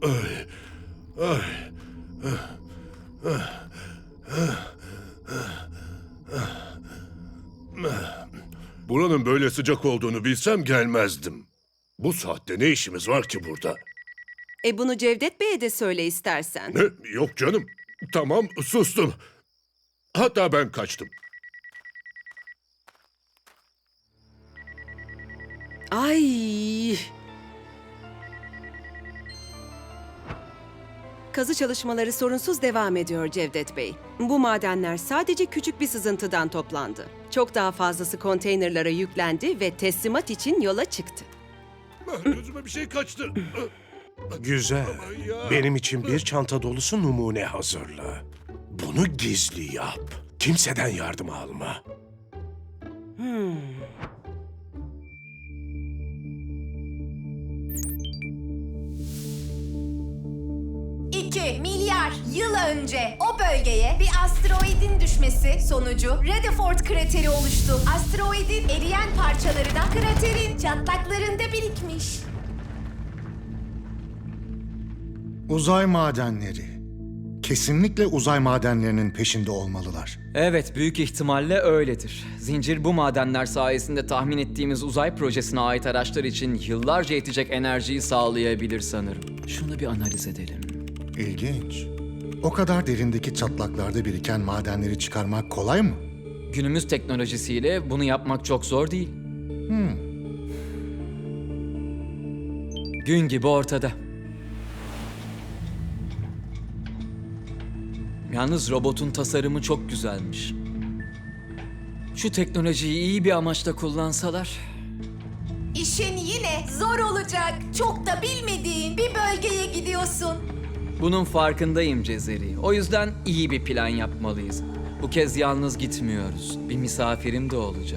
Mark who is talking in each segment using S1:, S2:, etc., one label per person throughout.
S1: Ay, ay, buranın böyle sıcak olduğunu bilsem gelmezdim. Bu saatte ne işimiz var ki burada?
S2: Bunu Cevdet Bey'e de söyle istersen.
S1: Ne? Yok canım. Tamam, sustum. Hatta ben kaçtım.
S2: Ay! Kazı çalışmaları sorunsuz devam ediyor Cevdet Bey. Bu madenler sadece küçük bir sızıntıdan toplandı. Çok daha fazlası konteynerlara yüklendi ve teslimat için yola çıktı.
S1: Gözüme bir şey kaçtı.
S3: Güzel.
S1: Aman ya.
S3: Benim için bir çanta dolusu numune hazırla. Bunu gizli yap. Kimseden yardım alma.
S4: 2 milyar yıl önce o bölgeye bir asteroidin düşmesi sonucu Rutherford krateri oluştu. Asteroidin eriyen parçaları da kraterin çatlaklarında birikmiş.
S5: Uzay madenleri. Kesinlikle uzay madenlerinin peşinde olmalılar.
S6: Evet, büyük ihtimalle öyledir. Zincir bu madenler sayesinde tahmin ettiğimiz uzay projesine ait araçlar için yıllarca yetecek enerjiyi sağlayabilir sanırım. Şunu bir analiz edelim.
S5: İlginç. O kadar derindeki çatlaklarda biriken madenleri çıkarmak kolay mı?
S6: Günümüz teknolojisiyle bunu yapmak çok zor değil. Gün gibi ortada. Yalnız robotun tasarımı çok güzelmiş. Şu teknolojiyi iyi bir amaçla kullansalar...
S4: İşin yine zor olacak. Çok da bilmediğin bir bölgeye gidiyorsun.
S6: Bunun farkındayım Cezeri. O yüzden iyi bir plan yapmalıyız. Bu kez yalnız gitmiyoruz. Bir misafirim de olacak.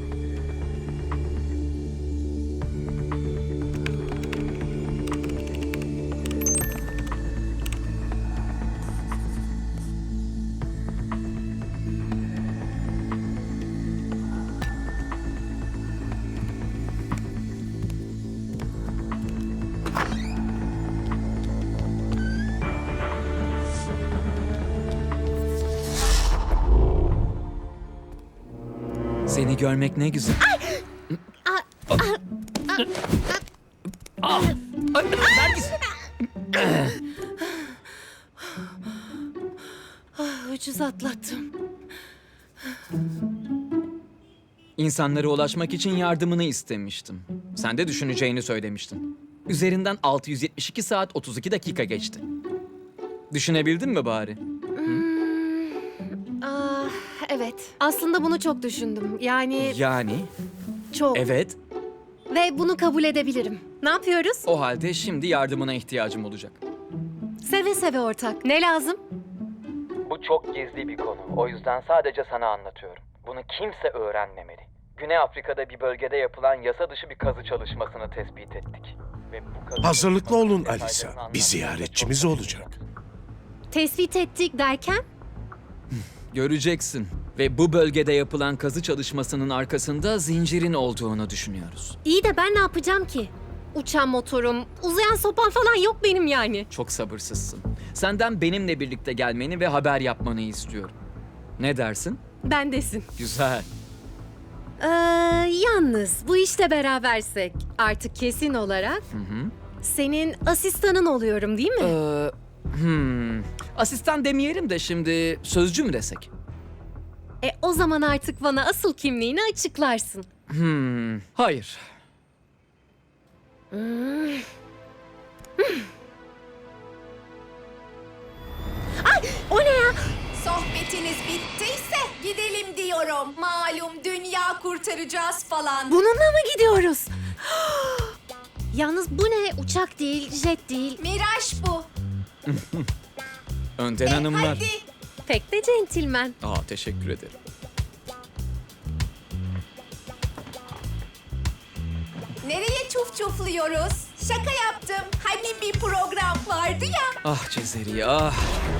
S6: Seni görmek ne güzel. Nergis!
S2: Ucuz atlattım.
S6: İnsanlara ulaşmak için yardımını istemiştim. Sen de düşüneceğini söylemiştin. Üzerinden 672 saat 32 dakika geçti. Düşünebildin mi bari?
S7: Evet. Aslında bunu çok düşündüm. Yani
S6: Yani,
S7: çok.
S6: evet.
S7: Ve bunu kabul edebilirim. Ne yapıyoruz?
S6: O halde şimdi yardımına ihtiyacım olacak.
S7: Seve seve ortak. Ne lazım?
S6: Bu çok gizli bir konu. O yüzden sadece sana anlatıyorum. Bunu kimse öğrenmemeli. Güney Afrika'da bir bölgede yapılan yasa dışı bir kazı çalışmasını tespit ettik. Ve bu kazı
S3: Hazırlıklı olun
S6: çalışmasının
S3: Alisa.
S6: detaylarını
S3: Bir
S6: anlatmamız
S3: ziyaretçimiz
S6: çok
S3: olacak.
S7: Tespit ettik derken?
S6: Göreceksin. Ve bu bölgede yapılan kazı çalışmasının arkasında zincirin olduğunu düşünüyoruz.
S7: İyi de ben ne yapacağım ki? Uçan motorum, uzayan sopam falan yok benim yani.
S6: Çok sabırsızsın. Senden benimle birlikte gelmeni ve haber yapmanı istiyorum. Ne dersin?
S7: Bendesin.
S6: Güzel.
S7: Yalnız bu işte berabersek artık kesin olarak senin asistanın oluyorum değil mi?
S6: Asistan demeyelim de şimdi sözcü mü desek?
S7: O zaman artık bana asıl kimliğini açıklarsın.
S6: Hayır.
S7: O ne ya?
S4: Sohbetiniz bittiyse gidelim diyorum. Malum dünya kurtaracağız falan.
S7: Bununla mı gidiyoruz? Yalnız bu ne? Uçak değil, jet değil.
S4: Miraç bu.
S6: Önden hanımlar.
S4: Hadi.
S7: Pek de centilmen.
S6: Teşekkür ederim.
S4: Nereye çuf çufluyoruz? Şaka yaptım. Hani bir program vardı ya.
S6: Ah Cezeri, ah.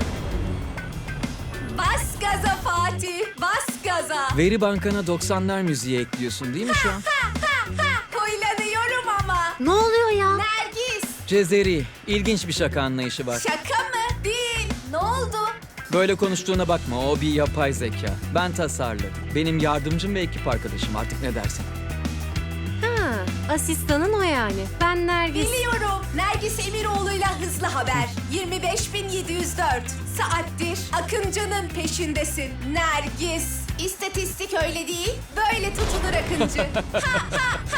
S4: Bas gaza Fatih, bas gaza.
S6: Veri bankana 90'lar müziği ekliyorsun değil mi şu an?
S4: Huylanıyorum ama.
S7: Ne oluyor ya?
S4: Nergis,
S6: Cezeri, ilginç bir şaka anlayışı var.
S4: Şaka mı? Değil. Ne oldu?
S6: Böyle konuştuğuna bakma, o bir yapay zeka. Ben tasarladım. Benim yardımcım ve ekip arkadaşım, artık ne dersin?
S7: Ha, asistanın o yani. Ben Nergis.
S4: Biliyorum. Nergis Emiroğlu'yla hızlı haber. 25.704 saattir Akıncı'nın peşindesin. Nergis. İstatistik öyle değil, böyle tutulur Akıncı. Ha ha ha.